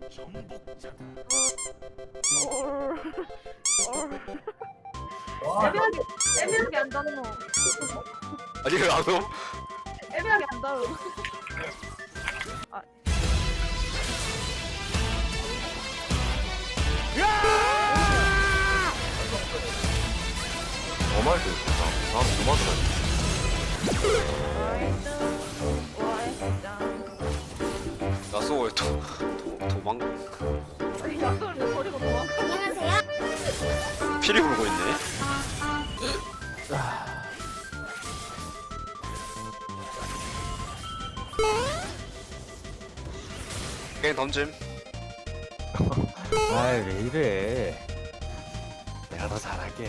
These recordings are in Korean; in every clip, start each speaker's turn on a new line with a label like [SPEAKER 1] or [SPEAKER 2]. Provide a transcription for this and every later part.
[SPEAKER 1] 애매하게 안 닿노.
[SPEAKER 2] 아니 왜 안 오?
[SPEAKER 1] 애매하게 안 닿어.
[SPEAKER 2] 어말도 다음 그만 야쏘 도망
[SPEAKER 1] 약속을 내 버리고 도망가.
[SPEAKER 2] 피리 불고 있네. 게임 던짐.
[SPEAKER 3] 아이 왜 이래. 내가 더 잘할게.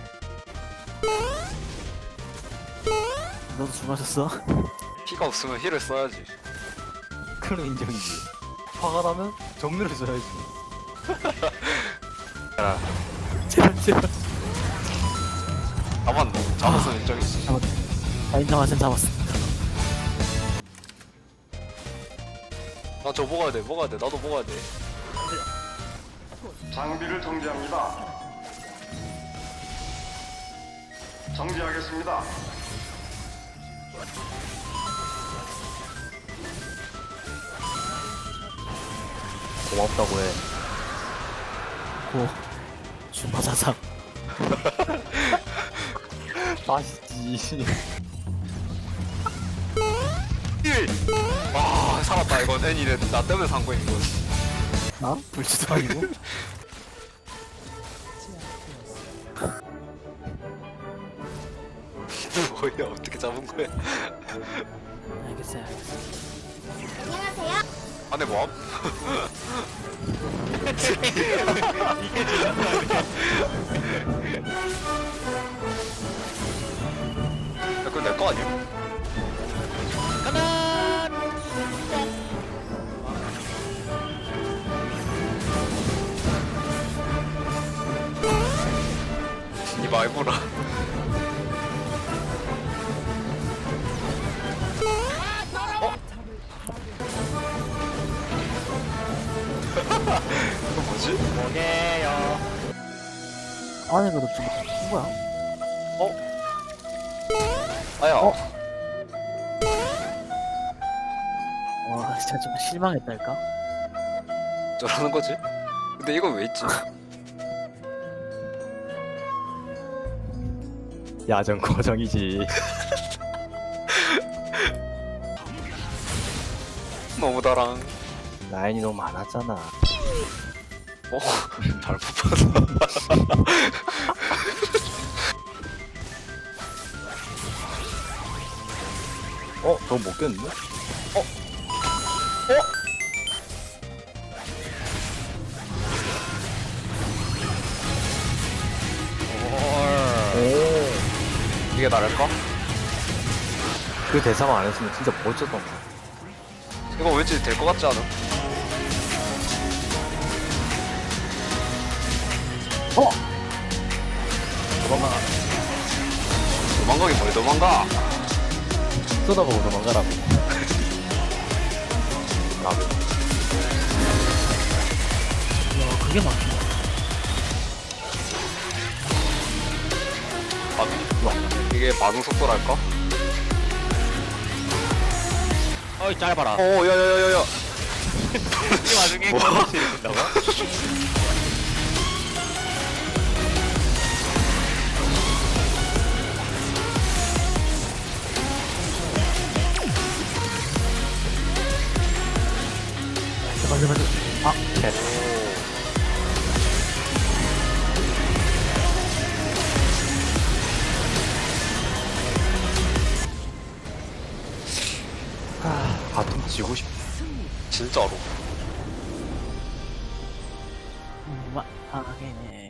[SPEAKER 4] 너도 술 마셨어?
[SPEAKER 2] 피가 없으면 힐을 써야지.
[SPEAKER 3] 그럼 인정이지. 화가 나면 정리를 써야지. 야,
[SPEAKER 4] 제발
[SPEAKER 2] 잡았노. 잡았으면 인정이지.
[SPEAKER 4] 나 인정하sen 잡았어.
[SPEAKER 2] 나 저 먹어야 돼. 먹어야 돼. 나도 먹어야 돼.
[SPEAKER 5] 장비를 정지합니다. 정지하겠습니다.
[SPEAKER 3] 고맙다고 해.
[SPEAKER 4] 고 주마자상.
[SPEAKER 3] 맛있지.
[SPEAKER 2] 힐! 와 살았다. 이건 애니네. 나 때문에 산 거인 이건.
[SPEAKER 4] 나? 불치도 아니고?
[SPEAKER 2] 뭐야 어떻게 잡은 거야?
[SPEAKER 4] 알겠어요.
[SPEAKER 2] 안에 뭐함? 야 그거 내 거 아니야? 이 말보라. 이거 뭐지?
[SPEAKER 4] 안에 그래도 좀 누구야?
[SPEAKER 2] 아야.
[SPEAKER 4] 와 진짜 좀 실망했달까?
[SPEAKER 2] 저러는 거지? 근데 이건 왜 있지?
[SPEAKER 3] 야전 고정이지.
[SPEAKER 2] 너무 다랑.
[SPEAKER 3] 라인이 너무 많았잖아.
[SPEAKER 2] 잘 뽑았어.
[SPEAKER 3] 저거 못 깼는데? 오.
[SPEAKER 2] 이게 나를까?
[SPEAKER 3] 그 대사만 안 했으면 진짜 멋졌던 거.
[SPEAKER 2] 이거 왠지 될 것 같지 않아? 도망가긴 뭐해 도망가.
[SPEAKER 3] 쏟아보고 도망가라고.
[SPEAKER 2] 나도.
[SPEAKER 4] 야 그게 막힌다.
[SPEAKER 2] 이게 반응 속도랄까?
[SPEAKER 3] 어이 짧아라.
[SPEAKER 2] 야야야야야.
[SPEAKER 3] 이 와중에
[SPEAKER 2] 뭐?
[SPEAKER 3] 컨텐츠를 준다고?
[SPEAKER 4] 제발. 아
[SPEAKER 3] 캣. 바텀 지고 싶.
[SPEAKER 2] 진짜로.
[SPEAKER 4] 망하게.